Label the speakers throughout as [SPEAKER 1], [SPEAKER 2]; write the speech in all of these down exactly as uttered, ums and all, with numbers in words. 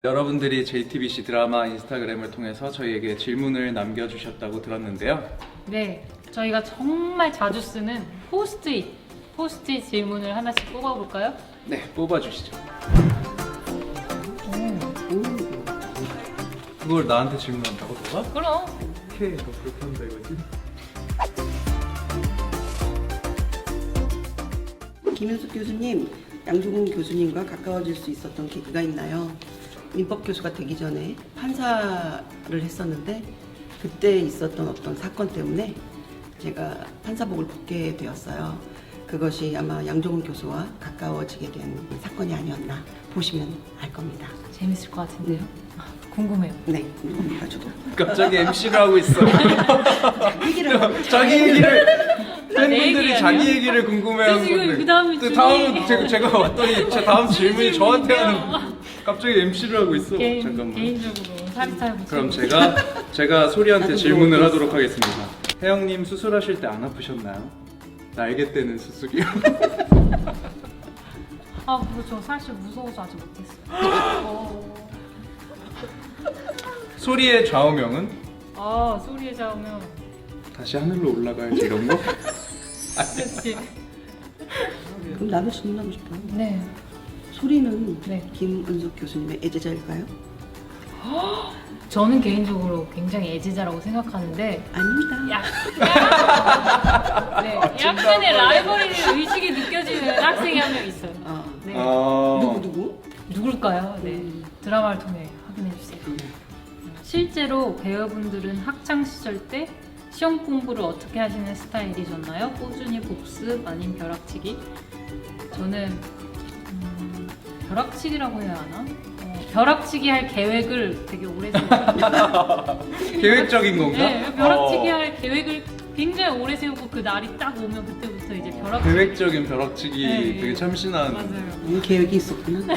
[SPEAKER 1] 여러분들이 제이티비씨 드라마 인스타그램을 통해서 저희에게 질문을 남겨주셨다고 들었는데요.
[SPEAKER 2] 네, 저희가 정말 자주 쓰는 포스트잇, 포스트잇 질문을 하나씩 뽑아볼까요?
[SPEAKER 1] 네, 뽑아주시죠. 그걸 나한테 질문한다고 너가?
[SPEAKER 2] 그럼.
[SPEAKER 1] 오케이, 너 그렇게 한다 이거지?
[SPEAKER 3] 김윤숙 교수님, 양조근 교수님과 가까워질 수 있었던 계기가 있나요? 민법 교수가 되기 전에 판사를 했었는데 그때 있었던 어떤 사건 때문에 제가 판사복을 벗게 되었어요. 그것이 아마 양조근 교수와 가까워지게 된 사건이 아니었나 보시면 알 겁니다.
[SPEAKER 2] 재밌을 것 같은데요? 아, 궁금해요.
[SPEAKER 3] 네, 궁금합니다. 저도.
[SPEAKER 1] 갑자기 엠시를 하고 있어.
[SPEAKER 3] 얘기를 하고
[SPEAKER 1] 자기 얘기를 팬분들이
[SPEAKER 2] 얘기
[SPEAKER 1] 자기
[SPEAKER 2] 아니야?
[SPEAKER 1] 얘기를 궁금해하는
[SPEAKER 2] 저 지금
[SPEAKER 1] 건데.
[SPEAKER 2] 그 다음에
[SPEAKER 1] 또
[SPEAKER 2] 질문이-
[SPEAKER 1] 다음 제가, 제가 왔더니 제 다음 질문이 저한테
[SPEAKER 2] 질문인데요.
[SPEAKER 1] 하는. 갑자기 엠시를 하고 있어.
[SPEAKER 2] 개인,
[SPEAKER 1] 잠깐만.
[SPEAKER 2] 개인적으로 사리타임.
[SPEAKER 1] 그럼 제가 제가 소리한테
[SPEAKER 3] 나도
[SPEAKER 1] 질문을
[SPEAKER 3] 모르겠어.
[SPEAKER 1] 하도록 하겠습니다. 혜영님 수술하실 때 안 아프셨나요? 날개 떼는 수술이요.
[SPEAKER 2] 아, 그렇죠. 사실 무서워서 아직 못했어요. 어.
[SPEAKER 1] 소리의 좌우명은?
[SPEAKER 2] 아, 소리에 잡으면.
[SPEAKER 1] 다시 하늘로 올라가야지 이런 거?
[SPEAKER 2] 그렇지.
[SPEAKER 3] 그럼 나도 질문하고 싶어요.
[SPEAKER 2] 네.
[SPEAKER 3] 소리는
[SPEAKER 2] 네.
[SPEAKER 3] 김은숙 교수님의 애제자일까요?
[SPEAKER 2] 저는 개인적으로 굉장히 애지자라고 생각하는데
[SPEAKER 3] 아닙니다.
[SPEAKER 2] 약간 네, 약간의 라이벌리 의식이 느껴지는 학생이 한 명 있어요.
[SPEAKER 3] 아,
[SPEAKER 2] 네.
[SPEAKER 1] 어...
[SPEAKER 3] 누구 누구?
[SPEAKER 2] 누굴까요? 네.
[SPEAKER 3] 음.
[SPEAKER 2] 드라마를 통해 확인해 주세요. 실제로 배우분들은 학창 시절 때 시험 공부를 어떻게 하시는 스타일이셨나요? 꾸준히 복습 아닌 벼락치기? 저는 음, 벼락치기라고 해야 하나? 어, 벼락치기 할 계획을 되게 오래 세웠어요.
[SPEAKER 1] 계획적인 건가?
[SPEAKER 2] 네, 벼락치기
[SPEAKER 1] 어,
[SPEAKER 2] 할 계획을 굉장히 오래 세우고 그 날이 딱 오면 그때부터 이제 벼락치기.
[SPEAKER 1] 계획적인 벼락치기
[SPEAKER 2] 네,
[SPEAKER 1] 되게 참신한.
[SPEAKER 2] 맞아요.
[SPEAKER 3] 음, 계획이 있었구나.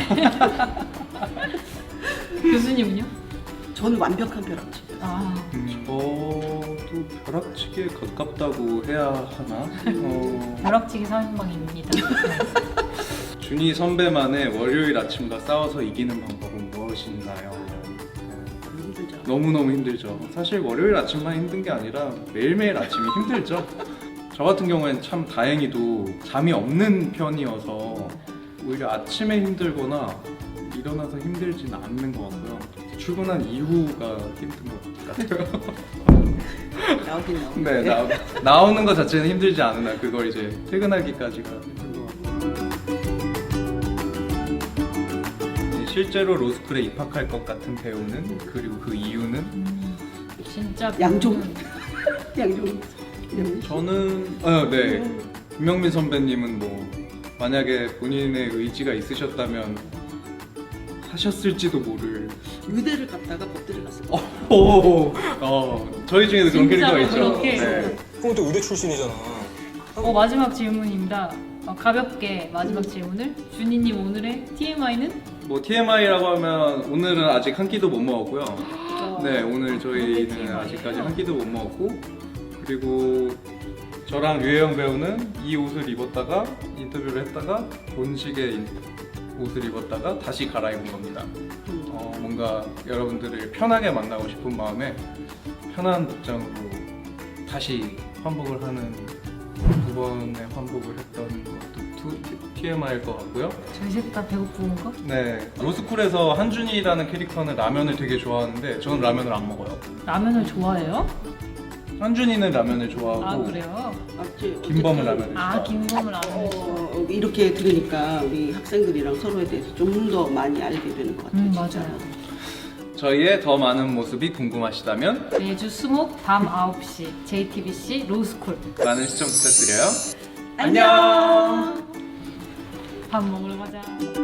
[SPEAKER 2] 교수님은요?
[SPEAKER 3] 저는 완벽한 벼락치기.
[SPEAKER 2] 아,
[SPEAKER 1] 음, 저도 벼락치기에 가깝다고 해야 하나? 어,
[SPEAKER 2] 벼락치기 삼인방입니다.
[SPEAKER 1] 준희 선배만의 월요일 아침과 싸워서 이기는 방법은 무엇인가요?
[SPEAKER 3] 힘들죠.
[SPEAKER 1] 너무너무 힘들죠. 사실 월요일 아침만 힘든 게 아니라 매일매일 아침이 힘들죠. 저 같은 경우에는 참 다행히도 잠이 없는 편이어서 오히려 아침에 힘들거나 일어나서 힘들지는 않는 것 같고요. 출근한 이후가 힘든 것 같아요.
[SPEAKER 3] 나오긴 나오긴.
[SPEAKER 1] 네, 나, 나오는 것 자체는 힘들지 않으나 그걸 이제 퇴근하기까지가 힘든 것 같아요. 네, 실제로 로스쿨에 입학할 것 같은 배우는, 그리고 그 이유는?
[SPEAKER 2] 음, 진짜
[SPEAKER 3] 양종.
[SPEAKER 2] 배우는
[SPEAKER 3] 양종. 네.
[SPEAKER 1] 저는 어, 네 김명민 선배님은 뭐 만약에 본인의 의지가 있으셨다면 하셨을지도 모를.
[SPEAKER 3] 의대를 갔다가 법대를 갔어요.
[SPEAKER 1] 어, 오, 어, 저희 중에도 그런
[SPEAKER 2] 진짜로
[SPEAKER 1] 캐릭터가 있죠.
[SPEAKER 2] 그렇게?
[SPEAKER 1] 네.
[SPEAKER 4] 그럼 또 의대 출신이잖아.
[SPEAKER 2] 어, 마지막 질문입니다. 어, 가볍게 마지막 질문을 준이님 오늘의 티엠아이는?
[SPEAKER 1] 뭐 티엠아이라고 하면 오늘은 아직 한 끼도 못 먹었고요.
[SPEAKER 2] 어,
[SPEAKER 1] 네, 오늘 저희는
[SPEAKER 2] TMI 예요?
[SPEAKER 1] 아직까지 한 끼도 못 먹었고, 그리고 저랑 류혜영 배우는 이 옷을 입었다가 인터뷰를 했다가 본식의 인- 옷을 입었다가 다시 갈아입은 겁니다. 어, 뭔가 여러분들을 편하게 만나고 싶은 마음에 편한 복장으로 다시 환복을 하는 두 번의 환복을 했던 것도 티엠아이일 것 같고요.
[SPEAKER 2] 저희 셋 다 배고픈 거?
[SPEAKER 1] 네, 로스쿨에서 한준이라는 캐릭터는 라면을 되게 좋아하는데 저는 라면을 안 먹어요.
[SPEAKER 2] 라면을 좋아해요?
[SPEAKER 1] 한준이는 라면을 좋아하고
[SPEAKER 2] 아, 그래요?
[SPEAKER 3] 맞지?
[SPEAKER 1] 김범은
[SPEAKER 3] 어쨌든,
[SPEAKER 1] 라면을
[SPEAKER 2] 아,
[SPEAKER 1] 좋아하고.
[SPEAKER 2] 김범을 라면
[SPEAKER 3] 어, 이렇게 들으니까 우리 학생들이랑 서로에 대해서 좀 더 많이 알게 되는 것 같아요.
[SPEAKER 2] 음,
[SPEAKER 3] 진짜.
[SPEAKER 2] 맞아요.
[SPEAKER 1] 저희의 더 많은 모습이 궁금하시다면
[SPEAKER 2] 매주 수목 밤 아홉 시 제이티비씨 로스쿨
[SPEAKER 1] 많은 시청 부탁드려요.
[SPEAKER 3] 안녕.
[SPEAKER 2] 밥 먹으러 가자.